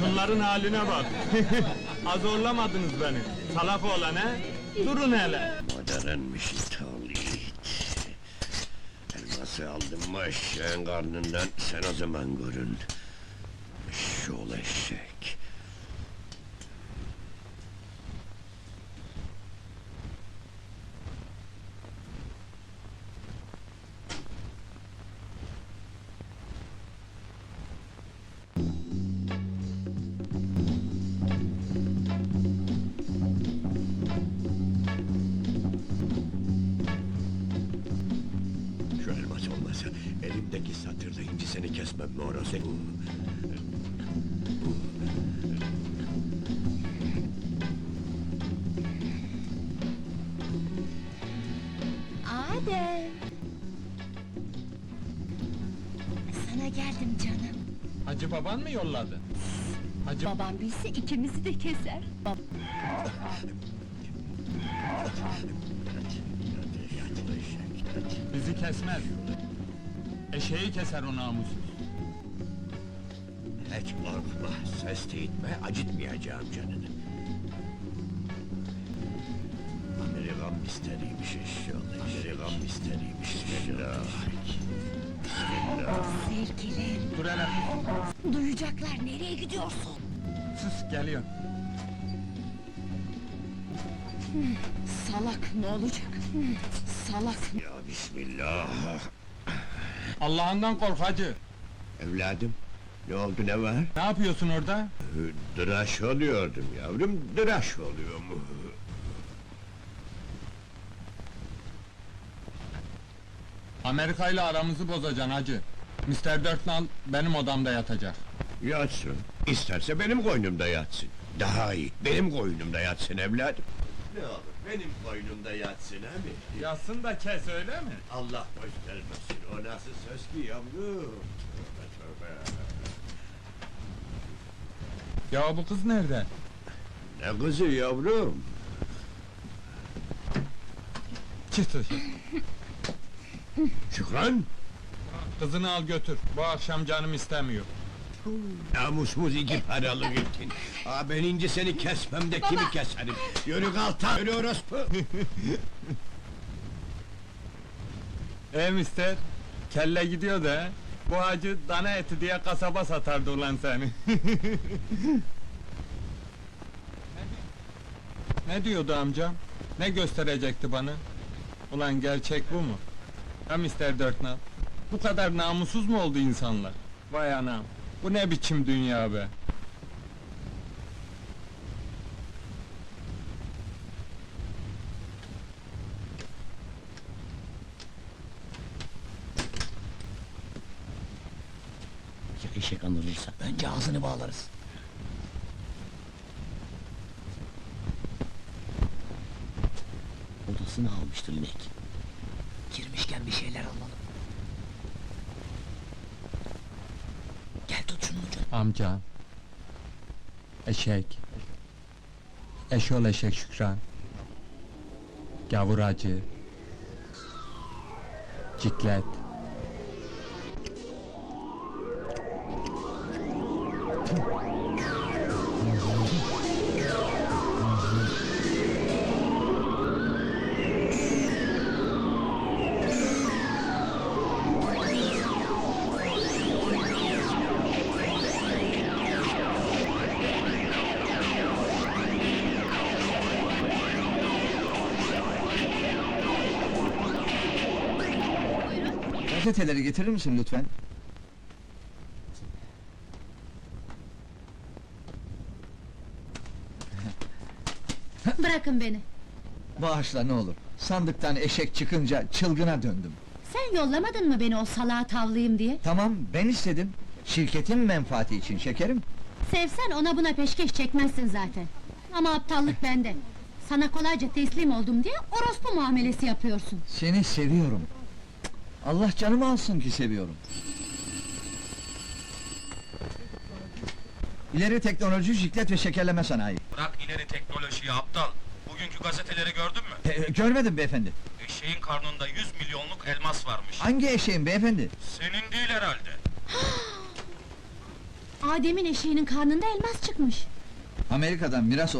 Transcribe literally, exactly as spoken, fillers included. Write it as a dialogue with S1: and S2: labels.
S1: Şunların haline bak! Azorlamadınız beni, salak oğlan he! Durun hele!
S2: Moderenmiş ithal it! Elması aldın mı eşeğin karnından, sen o zaman görün! Eşşoğlu eşek! Şu elmas olmasa, elimdeki satırla incisini kesmem mi orası?
S3: Adem! Sana geldim canım.
S1: Hacı baban mı yolladı? Hacı...
S3: Babam bilse ikimizi de keser. Bab
S1: Bizi kesmez! Eşeği keser o namussuz!
S2: Hiç korkma, ses etme, acıtmayacağım canını. Amerikan misteriymiş eşşoğlu, Amerikan misteriymiş eşşoğlu.
S3: sevgilim!
S1: Dur hele!
S3: Duyacaklar, nereye gidiyorsun?
S1: Sus, geliyor!
S3: Salak, ne olacak? Salak!
S2: Ya bismillah!
S1: Allah'ından kork hacı!
S2: Evladım, ne oldu, ne var?
S1: Ne yapıyorsun orada?
S2: Dıraş oluyordum yavrum, dıraş oluyorum.
S1: Amerika ile aramızı bozacaksın hacı! mister Dörtnal benim odamda yatacak!
S2: Yatsın, isterse benim koynumda yatsın. Daha iyi, benim koynumda yatsın evladım. Ne olur, benim koynumda yatsın abi.
S1: Yatsın da kes, öyle mi?
S2: Allah göstermesin, o nasıl söz ki yavrum? Tövbe tövbe!
S1: Ya bu kız nerede?
S2: Ne kızı yavrum?
S1: Çık dışarı!
S2: Şükran!
S1: Kızını al götür, bu akşam canım istemiyor!
S2: Namusumuz iki paralık ettin. Aa, ben ince seni kesmem de kimi keserim? Yürü kalta, yürü orospu!
S1: E mister, kelle gidiyor da, bu hacı dana eti diye kasaba satardı ulan seni! Ne diyordu amcam? Ne gösterecekti bana? Ulan gerçek bu mu? Ha mister Dörtnal? Bu kadar namussuz mu oldu insanlar? Vay anam! Bu ne biçim dünya be!
S4: Ya eşek anılırsa, önce ağzını bağlarız. Odasını almıştır inek. Girmişken bir şeyler alalım. Gel tut şunun ucunu.
S1: Amca! Eşek! Eşol eşek Şükran! Gavur hacı! Ciklet!
S5: Gazeteleri getirir misin lütfen?
S3: Bırakın beni!
S5: Bağışla ne olur. Sandıktan eşek çıkınca çılgına döndüm.
S3: Sen yollamadın mı beni o salağa tavlayayım diye?
S5: Tamam, ben istedim. Şirketin menfaati için şekerim.
S3: Sevsen ona buna peşkeş çekmezsin zaten. Ama aptallık bende. Sana kolayca teslim oldum diye orospu muamelesi yapıyorsun.
S5: Seni seviyorum. Allah canımı alsın ki seviyorum. İleri teknoloji, jiklet ve şekerleme sanayi.
S6: Bırak ileri teknolojiyi aptal! Bugünkü gazeteleri gördün mü?
S5: E, görmedim beyefendi.
S6: Eşeğin karnında yüz milyonluk elmas varmış.
S5: Hangi eşeğin beyefendi?
S6: Senin değil herhalde.
S3: Adem'in eşeğinin karnında elmas çıkmış.
S5: Amerika'dan miras